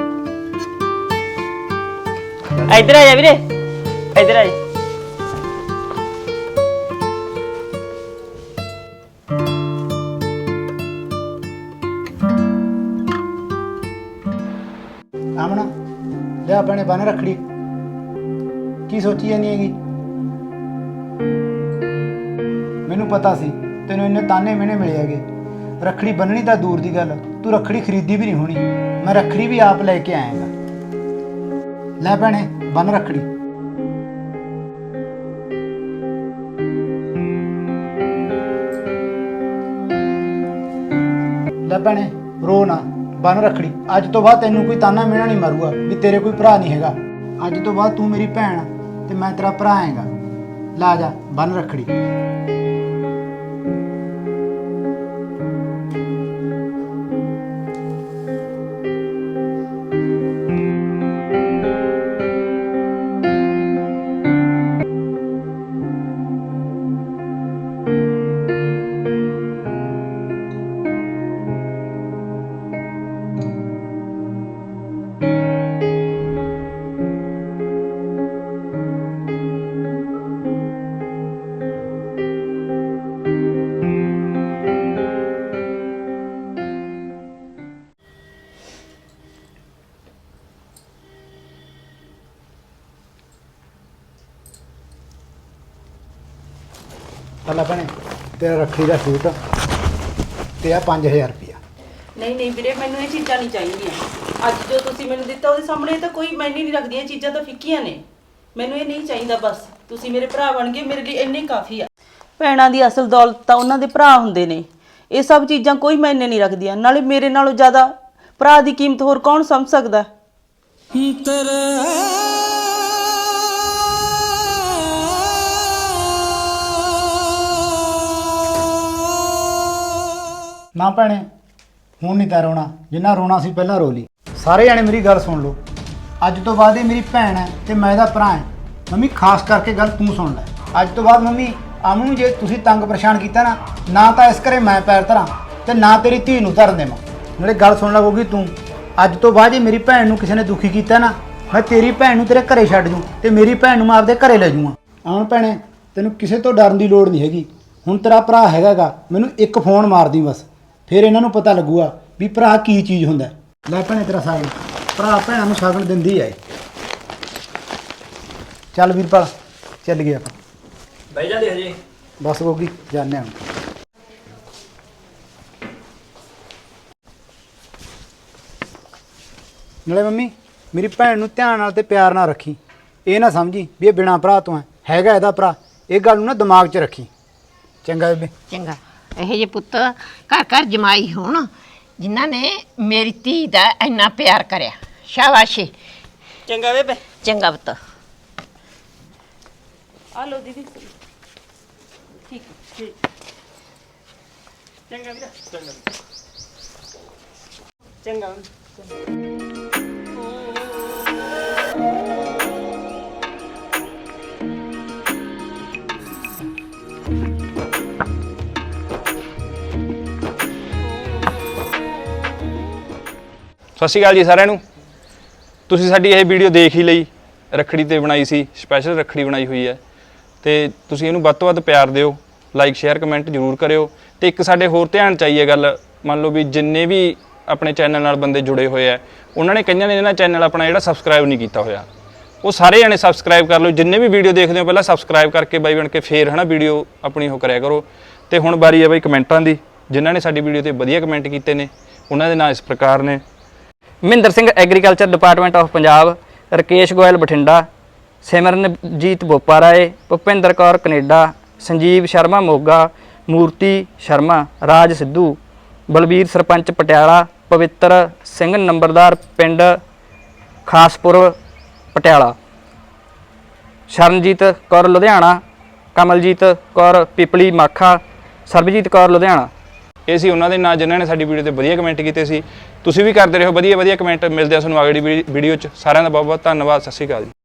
Speaker 7: ਇੱਧਰ ਆ ਜਾ ਵੀਰੇ, ਇੱਧਰ ਆ ਜਾ।
Speaker 8: ਆਮਣਾ ਲਿਆ ਭੈਣੇ ਬੰਨ ਰੱਖੜੀ। ਕੀ ਸੋਚੀ ਜਾਨੀ ਹੈਗੀ? ਮੈਨੂੰ ਪਤਾ ਸੀ ਤੈਨੂੰ ਇੰਨੇ ਤਾਨੇ ਮਿਹਣੇ ਮਿਲੇ ਹੈਗੇ। ਰੱਖੜੀ ਬੰਨਣੀ ਤਾਂ ਦੂਰ ਦੀ ਗੱਲ, ਤੂੰ ਰੱਖੜੀ ਖਰੀਦੀ ਵੀ ਨਹੀਂ ਹੋਣੀ। ਮੈਂ ਰੱਖੜੀ ਵੀ ਆਪ ਲੈ ਕੇ ਆਇਆਗਾ। ਲੈ ਭੈਣੇ ਬੰਨ ਰੱਖੜੀ। ਲੈ ਭੈਣੇ ਰੋ ਨਾ, ਬੰਨ ਰੱਖੜੀ। ਅੱਜ ਤੋਂ ਬਾਅਦ ਤੈਨੂੰ ਕੋਈ ਤਾਨਾ ਮਿਹਣਾ ਨਹੀਂ ਮਾਰੂਗਾ ਵੀ ਤੇਰੇ ਕੋਈ ਭਰਾ ਨਹੀਂ ਹੈਗਾ। ਅੱਜ ਤੋਂ ਬਾਅਦ ਤੂੰ ਮੇਰੀ ਭੈਣ ਤੇ ਮੈਂ ਤੇਰਾ ਭਰਾ ਹੈਗਾ। ਲਾ ਜਾ ਬੰਨ ਰੱਖੜੀ। ਲੈ ਭੈਣੇ ਤੇਰਾ ਰੱਖੜੀ ਦਾ ਸੂਟ ਤੇ ਆ ਪੰਜ ਹਜ਼ਾਰ ਰੁਪਇਆ।
Speaker 4: ਨਹੀਂ ਨਹੀਂ ਵੀਰੇ, ਮੈਨੂੰ ਇਹ ਚੀਜ਼ਾਂ ਨਹੀਂ ਚਾਹੀਦੀਆਂ। ਅੱਜ ਜੋ ਤੁਸੀਂ ਮੈਨੂੰ ਦਿੱਤਾ ਉਹਦੇ ਸਾਹਮਣੇ ਤਾਂ ਕੋਈ ਮੈਨੇ ਨਹੀਂ ਰੱਖਦੀਆਂ, ਇਹ ਚੀਜ਼ਾਂ ਤਾਂ ਫਿੱਕੀਆਂ ਨੇ। ਮੈਨੂੰ ਇਹ ਨਹੀਂ ਚਾਹੀਦਾ। ਬਸ ਤੁਸੀਂ ਮੇਰੇ ਭਰਾ ਬਣ ਗਏ, ਮੇਰੇ ਲਈ ਇੰਨੇ ਕਾਫੀ ਆ। ਭੈਣਾਂ ਦੀ ਅਸਲ ਦੌਲਤ ਤਾਂ ਉਹਨਾਂ ਦੇ ਭਰਾ ਹੁੰਦੇ ਨੇ। ਇਹ ਸਭ ਚੀਜ਼ਾਂ ਕੋਈ ਮੈਨੇ ਨਹੀਂ ਰੱਖਦੀਆਂ। ਨਾਲੇ ਮੇਰੇ ਨਾਲੋਂ ਜ਼ਿਆਦਾ ਭਰਾ ਦੀ ਕੀਮਤ ਹੋਰ ਕੌਣ ਸਮਝ ਸਕਦਾ?
Speaker 8: ਨਾ ਭੈਣੇ ਹੁਣ ਨਹੀਂ ਤਾਂ ਰੋਣਾ, ਜਿੰਨਾ ਰੋਣਾ ਸੀ ਪਹਿਲਾਂ ਰੋ ਲਈ। ਸਾਰੇ ਜਾਣੇ ਮੇਰੀ ਗੱਲ ਸੁਣ ਲਓ। ਅੱਜ ਤੋਂ ਬਾਅਦ ਇਹ ਮੇਰੀ ਭੈਣ ਹੈ ਤੇ ਮੈਂ ਇਹਦਾ ਭਰਾ ਹਾਂ। ਮੰਮੀ ਖਾਸ ਕਰਕੇ ਗੱਲ ਤੂੰ ਸੁਣ ਲੈ। ਅੱਜ ਤੋਂ ਬਾਅਦ ਮੰਮੀ ਅਮਨ ਨੂੰ ਜੇ ਤੁਸੀਂ ਤੰਗ ਪਰੇਸ਼ਾਨ ਕੀਤਾ ਨਾ, ਨਾ ਤਾਂ ਇਸ ਘਰੇ ਮੈਂ ਪੈਰ ਧਰਾਂ ਤੇ ਨਾ ਤੇਰੀ ਧੀ ਨੂੰ ਧਰਨ ਦੇਵਾਂ। ਨਾਲੇ ਗੱਲ ਸੁਣ ਲੱਗੂਗੀ ਤੂੰ, ਅੱਜ ਤੋਂ ਬਾਅਦ ਜੇ ਮੇਰੀ ਭੈਣ ਨੂੰ ਕਿਸੇ ਨੇ ਦੁਖੀ ਕੀਤਾ ਨਾ, ਮੈਂ ਤੇਰੀ ਭੈਣ ਨੂੰ ਤੇਰੇ ਘਰੇ ਛੱਡ ਜੂ ਤੇ ਮੇਰੀ ਭੈਣ ਨੂੰ ਮੈਂ ਆਪਦੇ ਘਰੇ ਲੈ ਜੂਆਂ। ਅਮਨ ਭੈਣੇ ਤੈਨੂੰ ਕਿਸੇ ਤੋਂ ਡਰਨ ਦੀ ਲੋੜ ਨਹੀਂ ਹੈਗੀ। ਹੁਣ ਤੇਰਾ ਭਰਾ ਹੈਗਾਗਾ, ਮੈਨੂੰ ਇੱਕ ਫੋਨ ਮਾਰਦੀ ਬਸ, ਫਿਰ ਇਹਨਾਂ ਨੂੰ ਪਤਾ ਲੱਗੂਗਾ ਵੀ ਭਰਾ ਕੀ ਚੀਜ਼ ਹੁੰਦਾ। ਲੈ ਭੈਣੇ ਤੇਰਾ ਸਾਗਨ, ਭਰਾ ਭੈਣਾਂ ਨੂੰ ਸਾਗਨ ਦਿੰਦੀ ਹੈ। ਚੱਲ ਵੀਰਪਾਲ ਚੱਲ ਗਏ ਆਪਾਂ।
Speaker 3: ਬਹਿ ਜਾਂਦੇ ਹਜੇ।
Speaker 8: ਬਸ ਗੋਗੀ ਜਾਂਦੇ ਹਾਂ। ਨਾਲੇ ਮੰਮੀ ਮੇਰੀ ਭੈਣ ਨੂੰ ਧਿਆਨ ਨਾਲ ਤੇ ਪਿਆਰ ਨਾਲ ਰੱਖੀ। ਇਹ ਨਾ ਸਮਝੀ ਵੀ ਇਹ ਬਿਨਾਂ ਭਰਾ ਤੋਂ ਹੈ, ਹੈਗਾ ਇਹਦਾ ਭਰਾ। ਇਹ ਗੱਲ ਨੂੰ ਨਾ ਦਿਮਾਗ 'ਚ ਰੱਖੀ। ਚੰਗਾ ਬੇਬੇ।
Speaker 2: ਚੰਗਾ। ਇਹੋ ਜਿਹੇ ਪੁੱਤ ਘਰ ਘਰ ਜਮਾਈ ਹੋਣ ਜਿਨ੍ਹਾਂ ਨੇ ਮੇਰੀ ਧੀ ਦਾ ਇੰਨਾ ਪਿਆਰ ਕਰਿਆ। ਸ਼ਾਬਾਸ਼ੀ।
Speaker 7: ਚੰਗਾ ਬੇਬੇ।
Speaker 2: ਚੰਗਾ ਪੁੱਤ।
Speaker 4: ਆ ਲਓ ਦੀਦੀ। ਠੀਕ ਹੈ।
Speaker 7: ਚੰਗਾ ਵੀਰਾ। ਚੰਗਾ ਚੰਗਾ।
Speaker 3: ਸਤਿ ਸ਼੍ਰੀ ਅਕਾਲ ਜੀ ਸਾਰਿਆਂ ਨੂੰ। ਤੁਸੀਂ ਸਾਡੀ ਇਹ ਵੀਡੀਓ ਦੇਖ ਹੀ ਲਈ, ਰੱਖੜੀ ਤੇ ਬਣਾਈ ਸੀ, ਸਪੈਸ਼ਲ ਰੱਖੜੀ ਬਣਾਈ ਹੋਈ ਹੈ ਤੇ ਤੁਸੀਂ ਇਹਨੂੰ ਵੱਧ ਤੋਂ ਵੱਧ ਪਿਆਰ ਦਿਓ, ਲਾਈਕ ਸ਼ੇਅਰ ਕਮੈਂਟ ਜ਼ਰੂਰ ਕਰਿਓ। ਤੇ ਇੱਕ ਸਾਡੇ ਹੋਰ ਧਿਆਨ ਚਾਹੀਏ ਗੱਲ, ਮੰਨ ਲਓ ਵੀ ਜਿੰਨੇ ਵੀ ਆਪਣੇ ਚੈਨਲ ਨਾਲ ਬੰਦੇ ਜੁੜੇ ਹੋਏ ਆ, ਉਹਨਾਂ ਨੇ ਕਈਆਂ ਨੇ ਇਹਨਾਂ ਚੈਨਲ ਆਪਣਾ ਜਿਹੜਾ ਸਬਸਕ੍ਰਾਈਬ ਨਹੀਂ ਕੀਤਾ ਹੋਇਆ, ਉਹ ਸਾਰੇ ਜਣੇ ਸਬਸਕ੍ਰਾਈਬ ਕਰ ਲਓ। ਜਿੰਨੇ ਵੀ ਵੀਡੀਓ ਦੇਖਦੇ ਹੋ ਪਹਿਲਾਂ ਸਬਸਕ੍ਰਾਈਬ ਕਰਕੇ ਬਾਈ ਬਣ ਕੇ ਫੇਰ ਹੈ ਨਾ ਵੀਡੀਓ ਆਪਣੀ ਉਹ ਕਰਿਆ ਕਰੋ। ਤੇ ਹੁਣ ਵਾਰੀ ਹੈ ਬਾਈ ਕਮੈਂਟਾਂ ਦੀ। ਜਿਨ੍ਹਾਂ ਨੇ ਸਾਡੀ ਵੀਡੀਓ ਤੇ ਵਧੀਆ ਕਮੈਂਟ ਕੀਤੇ ਨੇ ਉਹਨਾਂ ਦੇ ਨਾਂ ਇਸ ਪ੍ਰਕਾਰ ਨੇ:
Speaker 10: Mahinder Singh agriculture department of Punjab, Rakesh Goyal Bathinda, Simranjeet Bopa Rai, Bhupinder Kaur Canada, Sanjeev Sharma Moga, Murti Sharma, ਰਾਜ ਸਿੱਧੂ, ਬਲਬੀਰ ਸਰਪੰਚ ਪਟਿਆਲਾ, ਪਵਿੱਤਰ ਸਿੰਘ ਨੰਬਰਦਾਰ ਪਿੰਡ ਖਾਸਪੁਰ ਪਟਿਆਲਾ, ਸ਼ਰਨਜੀਤ ਕੌਰ ਲੁਧਿਆਣਾ, ਕਮਲਜੀਤ ਕੌਰ ਪਿਪਲੀ ਮਾਖਾ, ਸਰਬਜੀਤ ਕੌਰ ਲੁਧਿਆਣਾ।
Speaker 3: ਇਹ ਸੀ ਉਹਨਾਂ ਦੇ ਨਾਂ ਜਿਨ੍ਹਾਂ ਨੇ ਸਾਡੀ ਵੀਡੀਓ ਤੇ ਵਧੀਆ ਕਮੈਂਟ ਕੀਤੇ ਸੀ। ਤੁਸੀਂ ਵੀ ਕਰਦੇ ਰਹੋ ਵਧੀਆ ਵਧੀਆ ਕਮੈਂਟ। ਮਿਲਦੇ ਆ ਤੁਹਾਨੂੰ ਅਗਲੀ ਵੀਡੀਓ 'ਚ। ਸਾਰਿਆਂ ਦਾ ਬਹੁਤ ਬਹੁਤ ਧੰਨਵਾਦ। ਸਤਿ ਸ਼੍ਰੀ ਅਕਾਲ ਜੀ।